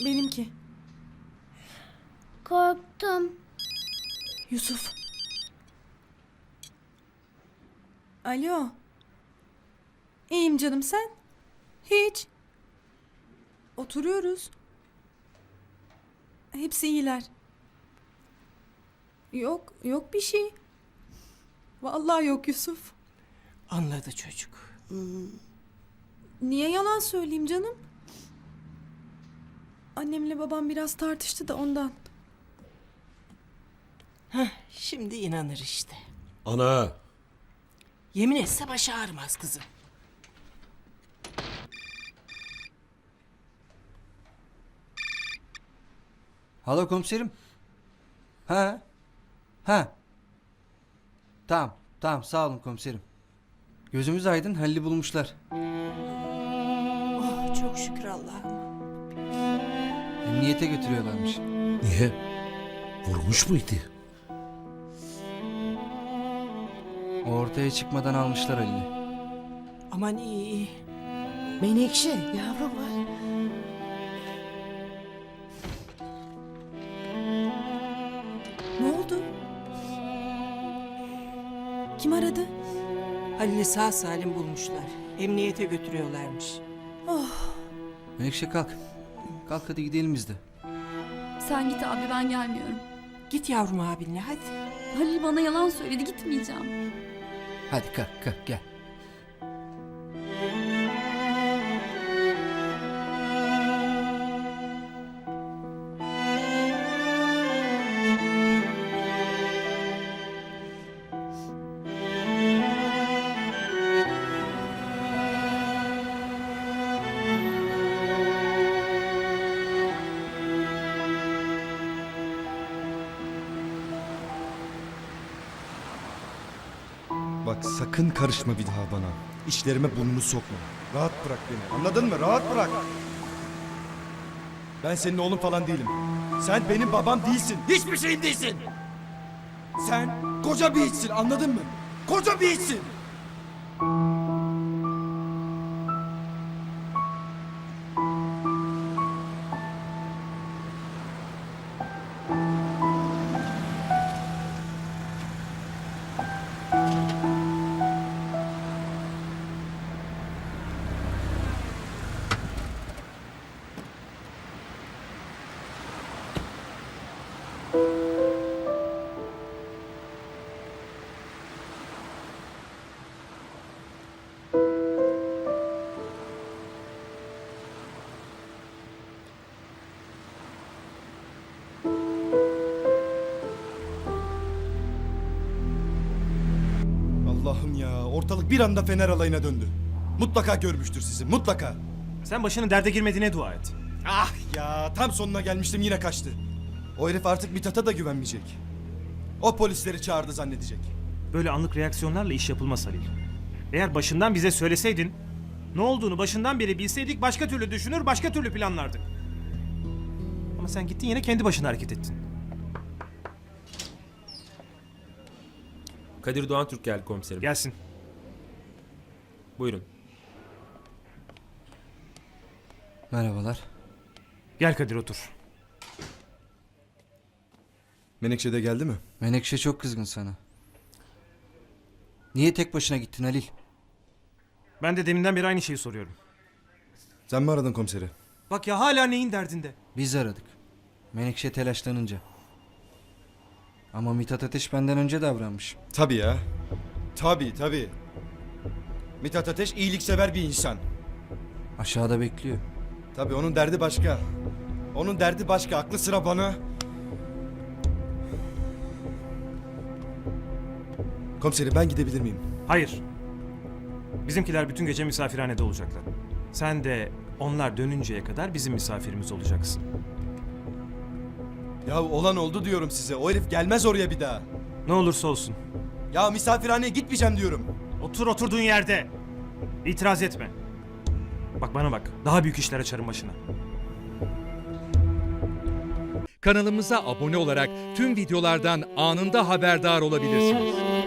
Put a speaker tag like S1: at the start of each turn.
S1: Benimki.
S2: Korktum.
S1: Yusuf. Alo. İyiyim canım, sen? Hiç. Oturuyoruz. Hepsi iyiler. Yok bir şey. Vallahi yok Yusuf.
S3: Anladı çocuk.
S1: Niye yalan söyleyeyim canım? Annemle babam biraz tartıştı da ondan.
S3: Şimdi inanır işte.
S4: Ana!
S3: Yemin etse başı ağrımaz kızım.
S5: Alo komiserim. Ha? Ha? Tamam sağ olun komiserim. Gözümüz aydın, Halil'i bulmuşlar.
S3: Oh, çok şükür Allah'ım.
S5: Emniyete götürüyorlarmış.
S4: Niye? Vurmuş muydu?
S5: O ortaya çıkmadan almışlar Halil'i.
S3: Aman iyi. Menekşe yavrum var.
S1: Ne oldu? Kim aradı?
S3: Halil'i sağ salim bulmuşlar. Emniyete götürüyorlarmış.
S5: Menekşe kalk. Kalk hadi gidelim biz de.
S6: Sen git abi, ben gelmiyorum.
S3: Git yavrum abinle hadi.
S6: Halil bana yalan söyledi, gitmeyeceğim.
S5: Hadi kalk gel.
S7: Bak sakın karışma bir daha bana. İşlerime burnunu sokma. Rahat bırak beni. Anladın mı? Rahat bırak. Ben senin oğlun falan değilim. Sen benim babam değilsin. Hiçbir şeyim değilsin. Sen koca bir hiçsin. Anladın mı? Koca bir hiçsin. Allah'ım ya. Ortalık bir anda Fener alayına döndü. Mutlaka görmüştür sizi. Mutlaka.
S8: Sen başının derde girmediğine dua et.
S7: Ah ya. Tam sonuna gelmiştim yine kaçtı. O herif artık Mithat'a da güvenmeyecek. O polisleri çağırdı zannedecek.
S8: Böyle anlık reaksiyonlarla iş yapılmaz Halil. Eğer başından bize söyleseydin, ne olduğunu başından beri bilseydik başka türlü düşünür, başka türlü planlardık. Ama sen gittin yine kendi başına hareket ettin.
S9: Kadir Doğan Türk geldi komiserim.
S8: Gelsin.
S9: Buyurun.
S5: Merhabalar.
S8: Gel Kadir otur.
S7: Menekşe de geldi mi?
S5: Menekşe çok kızgın sana. Niye tek başına gittin Halil?
S8: Ben de deminden beri aynı şeyi soruyorum.
S7: Sen mi aradın komiseri?
S8: Bak ya hala neyin derdinde?
S5: Biz aradık. Menekşe telaşlanınca. Ama Mithat Ateş benden önce davranmış.
S7: Tabii ya. Tabii. Mithat Ateş iyiliksever bir insan.
S5: Aşağıda bekliyor.
S7: Tabii onun derdi başka. Onun derdi başka. Aklı sıra bana. Komiserim ben gidebilir miyim?
S8: Hayır. Bizimkiler bütün gece misafirhanede olacaklar. Sen de onlar dönünceye kadar bizim misafirimiz olacaksın.
S7: Ya olan oldu diyorum size. O herif gelmez oraya bir daha.
S8: Ne olursa olsun.
S7: Ya misafirhaneye gitmeyeceğim diyorum.
S8: Otur oturduğun yerde. İtiraz etme. Bak bana bak. Daha büyük işler açarım başına.
S10: Kanalımıza abone olarak tüm videolardan anında haberdar olabilirsiniz.